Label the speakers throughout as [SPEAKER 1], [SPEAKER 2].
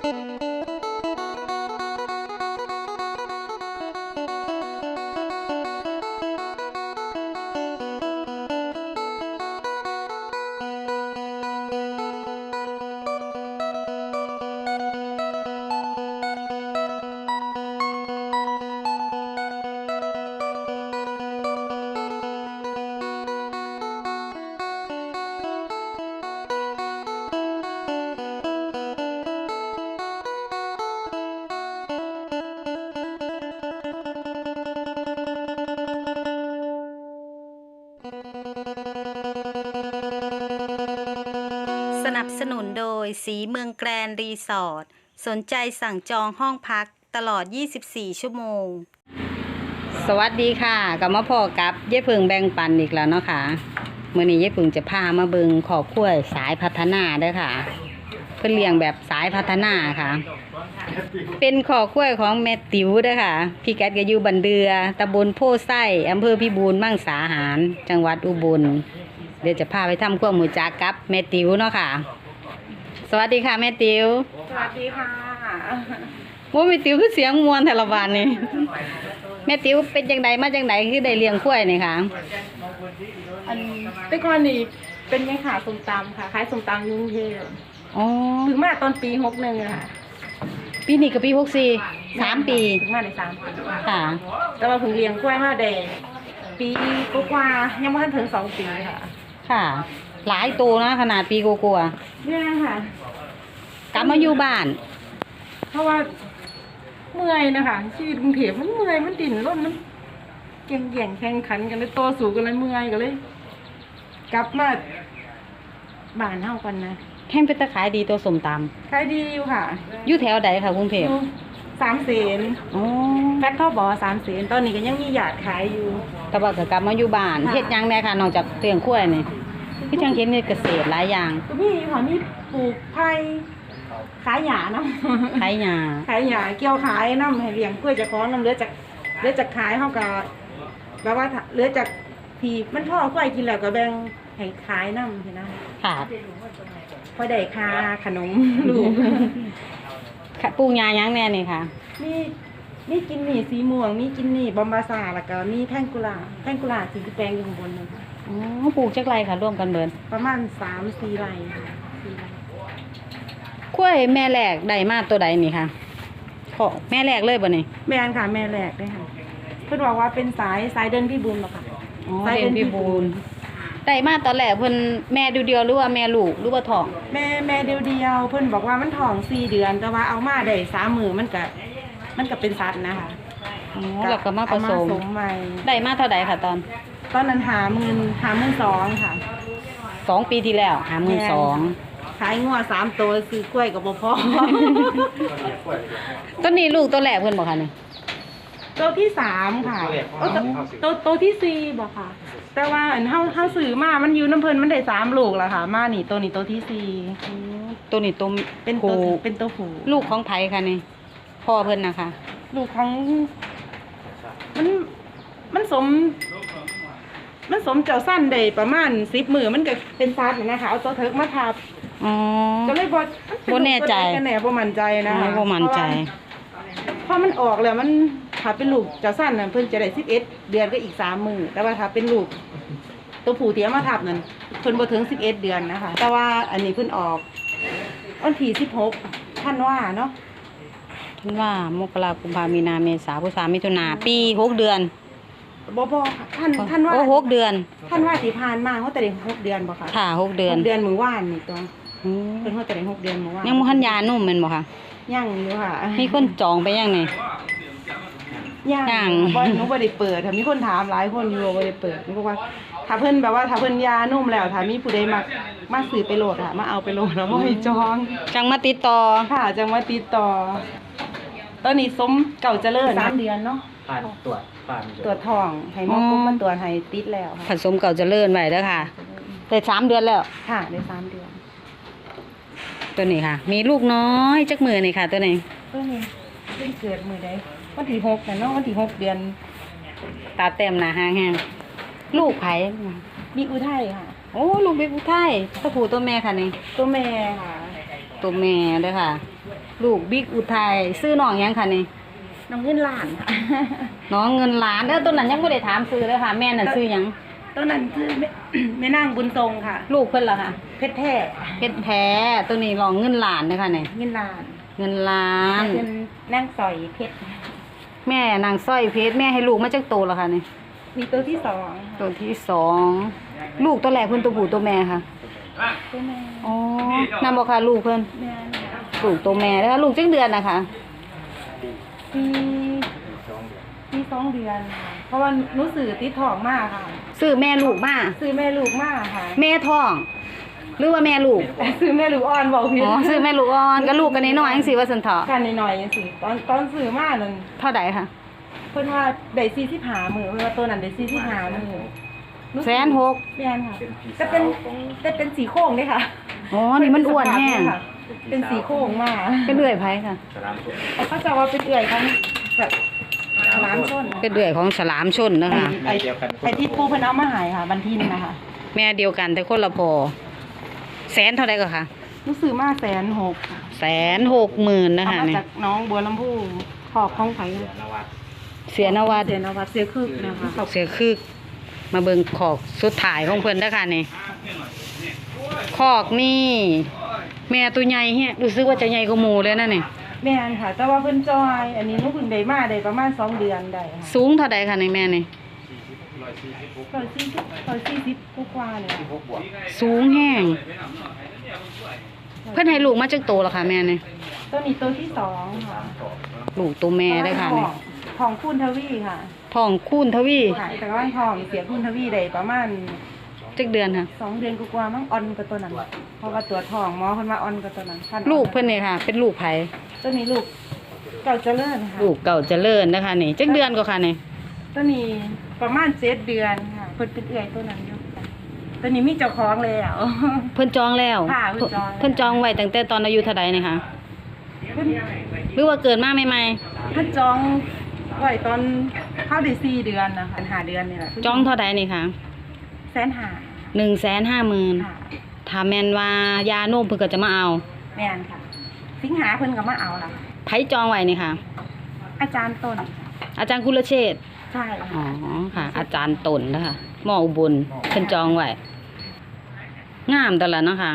[SPEAKER 1] สนับสนุนโดยสีเมืองแกรนด์รีสอร์ทสนใจสั่งจองห้องพักตลอด 24 ชั่วโมง สวัสดีค่ะกลับมาพอกับเย้พึ่งแบ่งปันอีกแล้วเนาะค่ะมื้อนี้เย้พึ่งจะพามาเบิ่งครอบครัวสายพัฒนาเด้อค่ะเพิ่นเลี้ยงแบบสายพัฒนาค่ะเป็นครอบครัวของแม่ติ๋วเด้อค่ะพี่กัดก็อยู่บันเดือตำบลโพไส้อำเภอพิบูลมังสาหารจังหวัดอุบลเดี๋ยวจะพาไปทำความรู้จักกับแม่ติ๋วเนาะค่ะสวัสดีค่ะแม่ติ๋ว
[SPEAKER 2] สวัสดีค่ะ
[SPEAKER 1] ว่าแม่ติ๋วคือเสียงมวนแต่ละวันนี่แม่ติ๋วเป็นจังใดมาจังใดคือได้เลี้ยงควายนี่ค่ะ
[SPEAKER 2] อันแต่ก่อนนี่เป็นยังขาส้มตำค่ะขายส้มตำกรุงเทพ
[SPEAKER 1] อ๋อ
[SPEAKER 2] ถึงมาตอนปี61ค่ะ
[SPEAKER 1] ปีนี้กับปี64 3 ปี
[SPEAKER 2] ถึงมาใน3 ปี
[SPEAKER 1] ค่ะ
[SPEAKER 2] แต่ว่าเพิ่งเลี้ยงกล้วยมาได้ปีกว่าๆยังไม่ทันถึง2 ปีค่ะ
[SPEAKER 1] ค่ะหลายตัวนะขนาดปีกว่า
[SPEAKER 2] เนี่ยค่ะ
[SPEAKER 1] กลับมาอยู่บ้าน
[SPEAKER 2] เพราะว่าเมื่อยนะคะชีวิตกรุงเทพมันเมื่อยมันดิ่นร่นมันแข่งขันกันเลยโตสูงกันเลยเมื่อยกันเลยกลับมาบ้านเฮากันนะ
[SPEAKER 1] แห้งเป็นตะขายดีตัวสมต
[SPEAKER 2] ขายดีอยู่ค่ะ
[SPEAKER 1] อยู่แถวใดค่ะกรุงเทพ
[SPEAKER 2] 3 เสน
[SPEAKER 1] อ๋อ
[SPEAKER 2] แฟตเขาบอก3 เสนตอนนี้ก็ยังมีหยาดขายอยู่
[SPEAKER 1] แต่ว่าก็กลับมาอยู่บ้านเฮ็ดหยังแน่ค่ะนอกจากเลี้ยงควายนี่คือจังเฮ็ดเกษตรหลายอย่าง
[SPEAKER 2] ก็มีค่ะมีปลูกไผ่ขายหญ้าเนาะ
[SPEAKER 1] ขายหญ้า
[SPEAKER 2] เกี่ยวขายน้ำให้เลี้ยงกล้วยจะของน้ำเหลือจากขายเฮาก็แบบว่าเหลือจากที่มันพ่อกล้วยกินแล้วก็แบ่งให้ขายน้ำเห็นนะ
[SPEAKER 1] ค่ะ
[SPEAKER 2] พอได้ค่าขนมลูก
[SPEAKER 1] ปลูกหญ้าหยังแน่นี่ค่ะ
[SPEAKER 2] มีกินนี่สีม่วงมีกินนี่บอมบาซาแล้วก็มีแพงกุหลาบสีแดงอยู่ข้างบนนึงค่ะ
[SPEAKER 1] อ๋อปลูกจักไรค่ะร่วมกันเบิด
[SPEAKER 2] ประมาณ 3-4 ไร่ค่ะ
[SPEAKER 1] กล้วยแม่แรกได้มาตัวใดนี่ค่ะขอแม่แรกเลยบ่นี่
[SPEAKER 2] แม่นค่ะแม่แรกได้ค่ะเพิ่นบอกว่าเป็นสายเดินพี่บุญหรอค่ะ
[SPEAKER 1] อ๋อเดินพี่บุญได้มาตอนแรกเพิ่นแม่เดียวหรือว่าแม่ลูกหรือว่าท้อง
[SPEAKER 2] แม่เดียวเพิ่นบอกว่ามันท้อง4 เดือนแต่ว่าเอามาได้3 มื้อมันก็เป็นสัตว์นะคะ
[SPEAKER 1] อ๋อแล้วก็มาผสม
[SPEAKER 2] ใหม่
[SPEAKER 1] ได้มาเท่าใดค่ะตอน
[SPEAKER 2] นั้น52,000ค่ะ
[SPEAKER 1] 2 ปีที่แล้ว52,000
[SPEAKER 2] ขายงัว3 ตัวซื้อกล้วยก็บ่พอ
[SPEAKER 1] ต้นนี้ลูกตัวแรกเพิ่นบ่ค่ะนี่
[SPEAKER 2] ตัวที่3ค่ะตัวที่4บ่ค่ะแต่ว่าอันเฮาซื้อมามันอยู่น้ำเพิ่นมันได้3 ลูกแล้วค่ะมานี่ตัวนี้ตัวที่4
[SPEAKER 1] ตัวนี้ตัว
[SPEAKER 2] เป็นตัวผู้
[SPEAKER 1] ลูกของไผค่ะนี่พ่อเพิ่นนะคะ
[SPEAKER 2] ลูกของมันสมเจ้าสั้นได้ประมาณ10 มื้อมันก็เป็นซัดนะคะเอาตัวเถิกมาทับ
[SPEAKER 1] อ๋อ
[SPEAKER 2] ก็เลยบ่
[SPEAKER 1] แน่ใจ
[SPEAKER 2] กันแน่บ่มั่นใจนะคะ
[SPEAKER 1] บ่มั่นใจ
[SPEAKER 2] พอมันออกแล้วมันถ้าเป็นลูกเจ้าสั้นน่ะเพิ่นจะได้11 เดือนก็อีก3 มื้อแต่ว่าถ้าเป็นลูกตัวผู้ที่เอามาทับนั่นเพิ่นบ่ถึง11 เดือนนะคะแต่ว่าอันนี้เพิ่นออกวันที่16ธันวาเนาะ
[SPEAKER 1] ท่านว่ามกราคมกุมภาพันธ์มีนาเมษาพฤษภาคมมิถุนาปี6 เดือน
[SPEAKER 2] บ่ท่านว่า
[SPEAKER 1] โอ้6 เดือน
[SPEAKER 2] ท่านว่าที่ผ่านมาเฮาแต่ได้6 เดือนบ่คะ
[SPEAKER 1] ค่ะ6 เดือน
[SPEAKER 2] 6 เดือนมื้อวานนี่ตัวเพิ่นเฮาแต่ได้6 เดือนมื้อวาน
[SPEAKER 1] ยังบ่ทันยานุ่มแม่นบ่คะ
[SPEAKER 2] ยังอยู่ค่ะ
[SPEAKER 1] มีคนจองไปยังนี่
[SPEAKER 2] ยังบ่หนูบ่ได้เปิดถ้ามีคนถามหลายคนอยู่บ่ได้เปิดหนูบอกว่าถ้าเพิ่นแบบว่าถ้าเพิ่นยานุ่มแล้วถ้ามีผู้ใดมาซื้อไปโหลดค่ะมาเอาไปโหลดแล้วบ่ให้จอง
[SPEAKER 1] จังมาติดต่อ
[SPEAKER 2] ค่ะจังมาติดต่อตอนนี้สมเก่าเจริญ3 เดือนเนาะตรวจท้องให้หมอกมาตรวจให้ติดแล้ว
[SPEAKER 1] ค่ะผสมเก่าเจริญไว้เด้อค่ะได้3 เดือนแล้ว
[SPEAKER 2] ค่ะได้3 เดือน
[SPEAKER 1] ตัวนี้ค่ะมีลูกน้อยจักมือนี่ค่ะตัวนี้
[SPEAKER 2] เพิ่งเกิดมื้อใดวันที่6น่ะเนาะวันที่6 เดือน
[SPEAKER 1] ตาเต็มหน้าห้างแห้งลูกไผ
[SPEAKER 2] มีอุทัยค่ะ
[SPEAKER 1] โอ้ลูกบิ๊กอุทัยตัวผู้ตัวแม่ค่ะนี่
[SPEAKER 2] ตัวแม่ค่ะ
[SPEAKER 1] ตัวแม่เด้อค่ะลูกบิ๊กอุทัยซื้อน้องหยังค่ะนี่
[SPEAKER 2] น้องเงินล้านค่ะ
[SPEAKER 1] น้องเงินล้านเด้อตัวนั้นยังบ่ได้ถามซื้อเลยค่ะ แม่น่ะซื้อหยัง
[SPEAKER 2] ต้นนั้นคือแม่นางบุญทรงค่ะ
[SPEAKER 1] ลูกเพิ่นล่ะค่ะ
[SPEAKER 2] เพชรแท้
[SPEAKER 1] เพชรแท้ตัวนี้รองเงินล้านเด้อค่ะนี่
[SPEAKER 2] เงินล้าน
[SPEAKER 1] เงินล้าน
[SPEAKER 2] เป็นนางสอยเพชร
[SPEAKER 1] แม่นางสร้อยเพชรแม่ให้ลูกมาจักโตแล้วค่ะนี่
[SPEAKER 2] มีตัวที่สอง
[SPEAKER 1] ตัวที่สองลูกตัวแรกเพิ่นตัวผู้ตัวแม่ค่ะ
[SPEAKER 2] ตัวแม่
[SPEAKER 1] อ๋อนั่นบ่ค่ะลูกเพิ่น
[SPEAKER 2] แม่ค่ะ
[SPEAKER 1] ลูกตัวแม่เด้อค่ะลูกจักเดือนนะคะ
[SPEAKER 2] ปี2 เดือนค่ะเพราะว่าหนูสื่อติดท้องมากค่ะ
[SPEAKER 1] ซื้อแม่ลูกมา
[SPEAKER 2] ซื้อแม่ลูกมากค่ะ
[SPEAKER 1] แม่ท้อง หรือว่าแม่ลูก
[SPEAKER 2] ซื้อแม่ลูกอ่อนบอกพี่
[SPEAKER 1] อ๋อซื้อแม่ลูกอ่อนก็ลูกกันน้อยๆจังซี่ว่าซั่นเถาะ
[SPEAKER 2] กันหน่อยๆสิตอนซื้อมานั่น
[SPEAKER 1] เท่าใดค่ะ
[SPEAKER 2] เพิ่นว่าได้45มื้อเพิ่นว่าตัวนั้นได้45มื้อ
[SPEAKER 1] 160,000
[SPEAKER 2] แม่นค่ะแต่เป็นสีโค้งเด้ค่ะ
[SPEAKER 1] อ๋อนี่มันอ้วนแห้ง
[SPEAKER 2] เป็นสีโค้งมา
[SPEAKER 1] เป็นเลื่อยไผค่ะ
[SPEAKER 2] เขาจะว่าเป็นเอื่อยของแบบร้านส้น
[SPEAKER 1] เป็นเลื่อยของฉลามชนนะคะ
[SPEAKER 2] ไอ้ที่ปูเพิ่นเอามาใหายค่ะบันทินนะคะ
[SPEAKER 1] แม่เดียวกันแต่คนละพอแสนเท่าใดก็ค่ะ
[SPEAKER 2] รู้สึกมา160,000
[SPEAKER 1] 160,000นะ
[SPEAKER 2] เอา
[SPEAKER 1] คะ
[SPEAKER 2] มา
[SPEAKER 1] นี่
[SPEAKER 2] จากน้องบัวลำพูขอบของไผ
[SPEAKER 1] เสียนวัด
[SPEAKER 2] เสียนวัดเสียคึกนะคะ
[SPEAKER 1] เสียคึกมาเบิ่งขอกสุดท้ายของเพิ่นเด้อค่ะนี่ขอกนี่ แม่ตัวใหญ่แฮะรู้สึกว่าจะใหญ่กว่าหมู่เลยนะนี่
[SPEAKER 2] แม่นค่ะ แต่ว่าเพิ่นจอย อันนี้หนูเพิ่งได้มาได้ประมาณ2 เดือนได้ค่ะ
[SPEAKER 1] สูงเท่าใดค่ะนี่แม่นี่
[SPEAKER 2] 140กว่าๆเลยค่ะ
[SPEAKER 1] สูงแห้งเพิ่นให้ลูกมาจักโตแล้วค่ะแม่นี่
[SPEAKER 2] ตัวนี้ตัวที่สองค่ะ
[SPEAKER 1] ลูกตัวแม่เด้อค่ะนี่
[SPEAKER 2] ของคุณทวีค่ะ
[SPEAKER 1] ท้องคูณทวี
[SPEAKER 2] ค่ะแต่ว่าทองเสียคุณทวีได้ประมาณ
[SPEAKER 1] จักเดือนค่ะ
[SPEAKER 2] 2 เดือนกว่าๆมั้งออนกับตัวนั้นเพราะว่าตัวทองหมอเพิ่นว่าออนกับตัวนั้นพัน
[SPEAKER 1] ลูกเพิ่นนี่ค่ะ เป็นลูกไผ
[SPEAKER 2] ตัวนี้ลูกเก่าเจริญค่ะ
[SPEAKER 1] ลูกเก่าเจริญนะคะนี่จักเดือนก็ค่ะนี่
[SPEAKER 2] ตัวนี้ประมาณ7 เดือนค่ะเพิ่นเป็นเอื้อยตัวนั้นอยู่ค่ะตัวนี้มีเจ้าของแล้ว
[SPEAKER 1] เพิ่นจองแล้ว
[SPEAKER 2] ค่ะเพิ่นจอง
[SPEAKER 1] เพิ่นจองไว้ตั้งแต่ตอนอายุเท่าใดนี่ค่ะ
[SPEAKER 2] เพิ่น
[SPEAKER 1] หรือว่าเกิดมาใหม่
[SPEAKER 2] เพิ่นจองไว้ตอนเข้าได้4 เดือนนะคะ5 เดือนนี่แหละ
[SPEAKER 1] ๆจองเท่าใดนี่ค่ะ
[SPEAKER 2] 150,000
[SPEAKER 1] 150,000
[SPEAKER 2] ค่ะ
[SPEAKER 1] ถ้าแม่นว่ายาโนมเพิ่นก็จะมาเอา
[SPEAKER 2] แม่นค่ะ สิงหาเพิ่นก็มาเอาล่ะ
[SPEAKER 1] ไผจองไว้นี่ค่ะ
[SPEAKER 2] อาจารย์ต้น
[SPEAKER 1] อาจารย์กุลเชษฐ์
[SPEAKER 2] ใช่
[SPEAKER 1] อ๋อ
[SPEAKER 2] ค่ะ
[SPEAKER 1] ค่ะ อาจารย์ตนนะคะหมออุบลเพิ่นจองไว้งามแต่ละเนาะค่ะ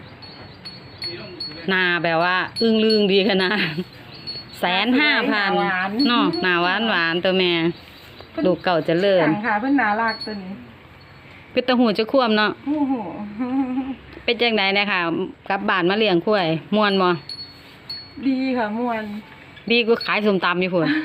[SPEAKER 1] หน้าแบบว่าอึ้งลึงดีขนาด 150,000เนาะหน้าหวานๆตัวแม่ลูกเก่าเจริญ
[SPEAKER 2] สั่งค่ะเพิ่นน่ารักตัวนี้
[SPEAKER 1] เป็นตะหูจะควมเนาะ
[SPEAKER 2] โอ้โห
[SPEAKER 1] เป็นจังไดเนี่ยค่ะกลับบ้านมาเลี้ยงควายม่วนบ่
[SPEAKER 2] ดีค่ะม่วน
[SPEAKER 1] ดีกว่าขายส้มตำอยู่พุ่น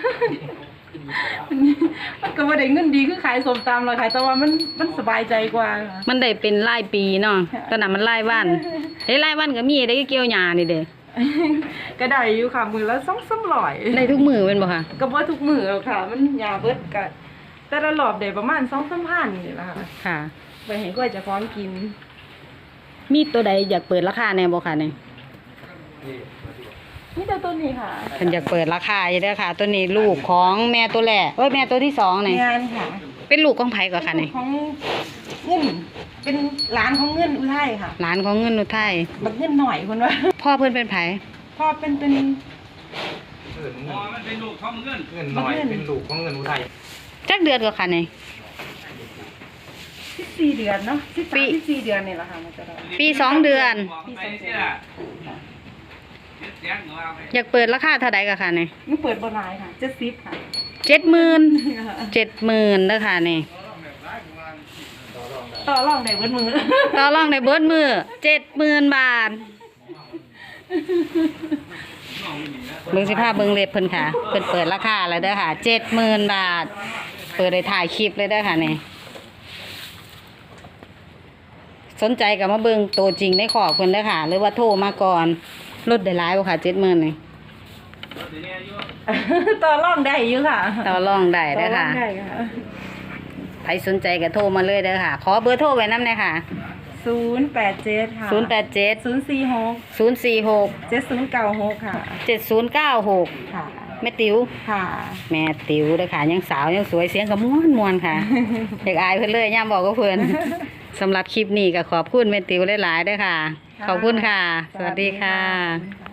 [SPEAKER 2] มันก็บ่ได้เงินดีคือขายส้มตำหรอกค่ะแต่ว่ามันสบายใจกว่าค่ะ
[SPEAKER 1] มันได้เป็นรายปีเนาะ
[SPEAKER 2] ค่ะ
[SPEAKER 1] ตอนนั้นมันรายวันเฮ้ยรายวันก็มีได้เกี่ยวหญ้านี่เด้
[SPEAKER 2] ก็ได้อยู่ค่ะมื้อละ2-300
[SPEAKER 1] ได้ทุกมื้อแม่นบ่ค่ะ
[SPEAKER 2] ก็บ่ทุกมื้อหรอกค่ะ มันยาเบิดก็แต่ละรอบได้ประมาณ 2-3 พันนี่ล่ะค่ะ
[SPEAKER 1] ค่ะ
[SPEAKER 2] ไปให้กล้วยเจะพร้าขอมกิน
[SPEAKER 1] มีตัวใดอยากเปิดราคาแน่บ่ค่ะนี่
[SPEAKER 2] นี่แต่ตัวนี้ค่ะ
[SPEAKER 1] เพิ่นอยากเปิดราคาอยู่เด้อค่ะ ตัวนี้ลูกของแม่ตัวแรกเอ้ยแม่ตัวที่สองนี่
[SPEAKER 2] งานค่ะ
[SPEAKER 1] เป็นลูกของไผก่อนค่ะนี่
[SPEAKER 2] ของเงินเป็นร้านของเงินอุทัยค่ะ
[SPEAKER 1] หลานของเงินอุทัย
[SPEAKER 2] บักเงินหน่อยคนว่า
[SPEAKER 1] พ่อเพิ่นเป็นไผ
[SPEAKER 2] พ่อเป็น
[SPEAKER 3] มันเป็นลูกของเงินหน่อยเป็นลูกของเงินอุทัย
[SPEAKER 1] จักเดือนก็ค่ะนี่
[SPEAKER 2] 14 เดือนเนาะ13-14 เดือนนี่แหละค่ะมันจะได้
[SPEAKER 1] ปี2 เดือน อยากเปิดราคาเท่าใดก็ค่ะนี่
[SPEAKER 2] มันเปิดบ่หลายค่ะ70ค่ะ
[SPEAKER 1] 70,000 70,000เด้อค่ะนี่
[SPEAKER 2] ต่อรองได้เบิดมือ
[SPEAKER 1] ต่อรองได้เบิดมือ70,000 บาทเบิ่งสิพาเบิ่งเล็บเพิ่นค่ะเพิ่นเปิดราคาแล้วเด้อค่ะ70,000 บาท เปิดได้ถ่ายคลิปเลยเด้อค่ะนี่สนใจก็มาเบิ่งตัวจริงในขอบเพิ่นเด้อค่ะ หรือว่าโทรมาก่อนลดได้หลายบ่ค่ะ70,000นี่
[SPEAKER 2] ต่อรองได้อยู่ค่ะ
[SPEAKER 1] ต่อรองได้เด้อค่ะ
[SPEAKER 2] ต่อรองได้ค่ะ
[SPEAKER 1] ใครสนใจก็โทรมาเลยเด้อค่ะ ขอเบอร์โทรไว้นำหน่อยค่ะ
[SPEAKER 2] 087ค่ะ
[SPEAKER 1] 087
[SPEAKER 2] 046
[SPEAKER 1] 046
[SPEAKER 2] 7096ค่ะ
[SPEAKER 1] 7096
[SPEAKER 2] ค่ะ
[SPEAKER 1] แม่ติ๋ว
[SPEAKER 2] ค่ะ
[SPEAKER 1] แม่ติ๋วเด้อค่ะยังสาวยังสวยเสียงก็ม่วนๆค่ะ อยากอายเพิ่นเลยย่ามบอกกับเพิ่น สำหรับคลิปนี้ก็ขอบคุณแม่ติ๋วหลายๆเด้อค่ะ ขอบคุณค่ะ สวัสดีค่ะ